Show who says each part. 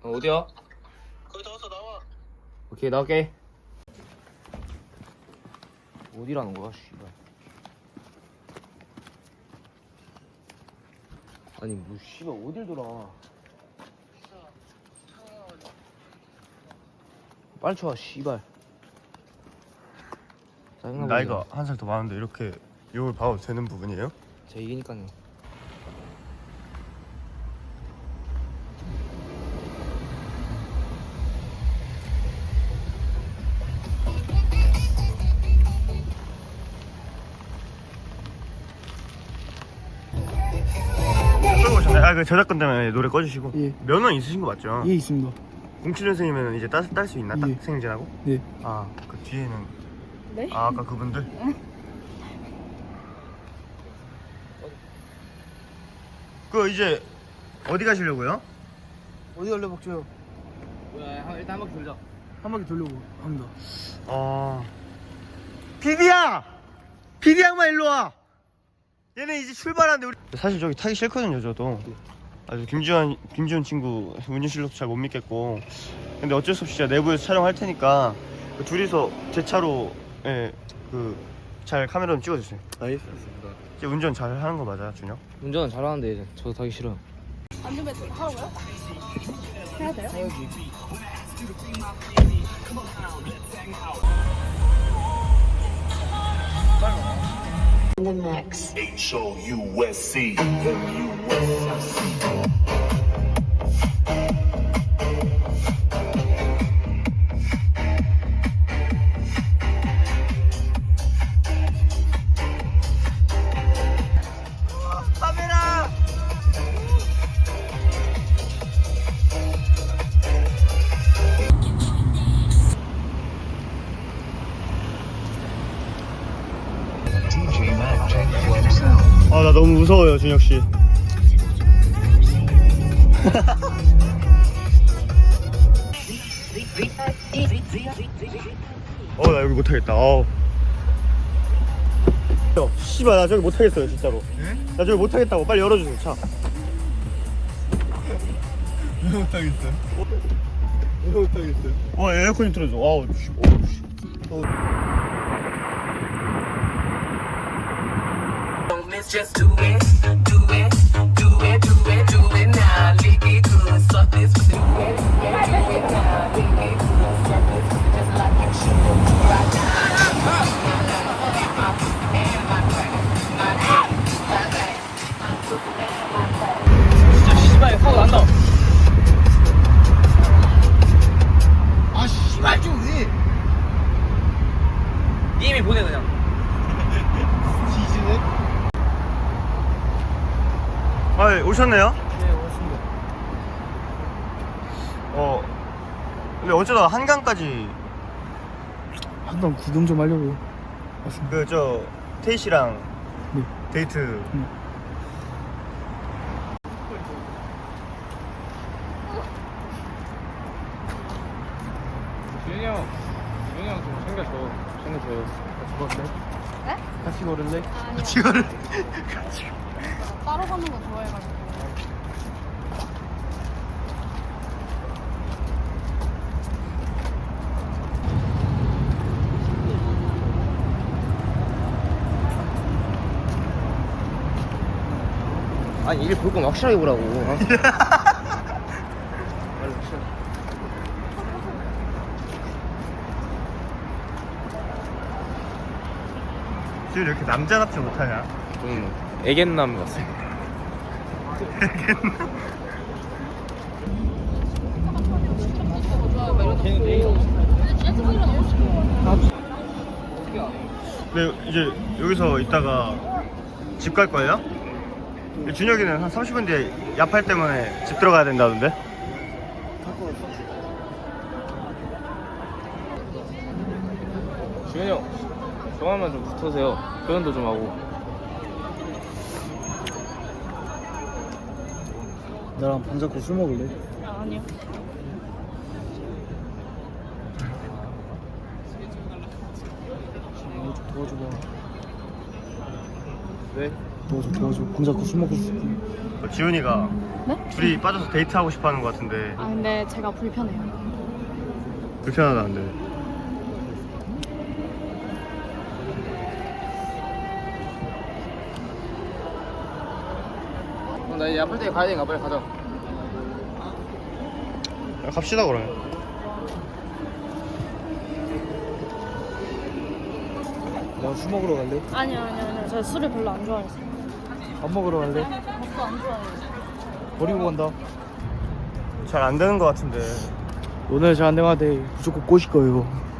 Speaker 1: 어디야?
Speaker 2: 거의 다 왔어. 나와.
Speaker 1: 오케이 나올게. 어디라는 거야 씨발. 아니 뭐 씨발 어딜 돌아. 빨리 쳐 씨발. 짜증나.
Speaker 3: 나이가 한 살 더 많은데 이렇게 욕을 봐도 되는 부분이에요?
Speaker 1: 제 이기니까요.
Speaker 3: 그 저작권 때문에 노래 꺼주시고.
Speaker 4: 예.
Speaker 3: 면허 있으신 거 맞죠?
Speaker 4: 예, 있습니다.
Speaker 3: 07년생이면 이제 딸 수 있나?
Speaker 4: 예.
Speaker 3: 딱 생일지나고?
Speaker 4: 네.
Speaker 3: 아, 그 뒤에는
Speaker 5: 네?
Speaker 3: 아, 아까 그분들? 그 이제 어디 가시려고요?
Speaker 4: 어디 갈래 먹죠?
Speaker 1: 일단 한 바퀴 돌자.
Speaker 4: 한 바퀴 돌려고 합니다.
Speaker 3: 피디야! 피디 양반 일로 와! 얘네 이제 출발하는데 우리 사실 저기 타기 싫거든요 저도. 아주 김지훈 친구 운전실력도 잘 못 믿겠고. 근데 어쩔 수 없이 제가 내부에서 촬영할 테니까 그 둘이서 제 차로 잘 카메라 좀 찍어주세요.
Speaker 1: 알겠습니다.
Speaker 3: 이제 운전 잘 하는 거 맞아 준혁?
Speaker 1: 운전은 잘하는데 이제 저도 타기 싫어요.
Speaker 5: 안전벨트 하고요? 해야 돼요?
Speaker 6: The mix.
Speaker 2: HOUSC.
Speaker 3: 아, 나 너무 무서워요 준혁 씨. 나 여기 못하겠다. 씨발 나 저기 못하겠어요 진짜로. 나 저기 못하겠다고. 빨리 열어주세요 차.
Speaker 4: 왜 못하겠어요? 왜 못하겠어요?
Speaker 3: 에어컨 좀 틀어줘.
Speaker 7: Just do it, do it, do it, do it, do it now. Lick it good, suck this pussy. Do it, yeah, do it now. Lick it good, suck this pussy just like you should. Right now, my crack, my back, my pussy and my crack.
Speaker 1: 진짜 씨발 사고 난다.
Speaker 4: 아, 씨발 좀 왜?
Speaker 1: 님이 보내 그냥.
Speaker 4: 지지네?
Speaker 3: 오셨네요?
Speaker 4: 네, 왔습니다.
Speaker 3: 근데 어쩌다가 한강까지
Speaker 4: 한번 구경 좀 하려고 왔습니다.
Speaker 3: 태희 씨랑
Speaker 4: 네.
Speaker 3: 데이트.
Speaker 1: 준영이 형 좀 챙겨줘요. 같이 걸을래?
Speaker 5: 네?
Speaker 1: 같이 걸을래?
Speaker 5: 아니요.
Speaker 3: 지금
Speaker 5: 따로 가는 거 좋아해가지고.
Speaker 1: 아니 이게 볼 거면 확실하게 보라고.
Speaker 3: 지금 이렇게 남자답지 못하냐?
Speaker 1: 좀 애견남 같아.
Speaker 3: 네, 이제 여기서 있다가 집 갈 거예요? 준혁이는 한 30분 뒤에 야팔 때문에 집 들어가야 된다던데?
Speaker 1: 준현이 형, 저만만 좀 붙으세요. 표현도 좀 하고.
Speaker 4: 나랑 방 잡고 술 먹을래?
Speaker 5: 아니요.
Speaker 4: 이거 좀 도와줘봐.
Speaker 1: 왜?
Speaker 4: 도와줘. 방자코 술 먹고 싶어.
Speaker 3: 지훈이가
Speaker 5: 네?
Speaker 3: 둘이 빠져서 데이트하고 싶어하는 것 같은데
Speaker 5: 아 근데 제가 불편해요.
Speaker 3: 불편하다는데.
Speaker 1: 나 이제 아플 때 가야 되니까 빨리 가자.
Speaker 3: 야, 갑시다 그러면.
Speaker 4: 나 술 먹으러 갈래?
Speaker 5: 아니요. 제가 술을 별로 안 좋아해서.
Speaker 4: 밥 먹으러 갈래?
Speaker 5: 밥도 안 좋아해요.
Speaker 4: 버리고 간다.
Speaker 3: 잘 안 되는 것 같은데.
Speaker 4: 오늘 잘 안 되면 무조건 꼬실 거예요.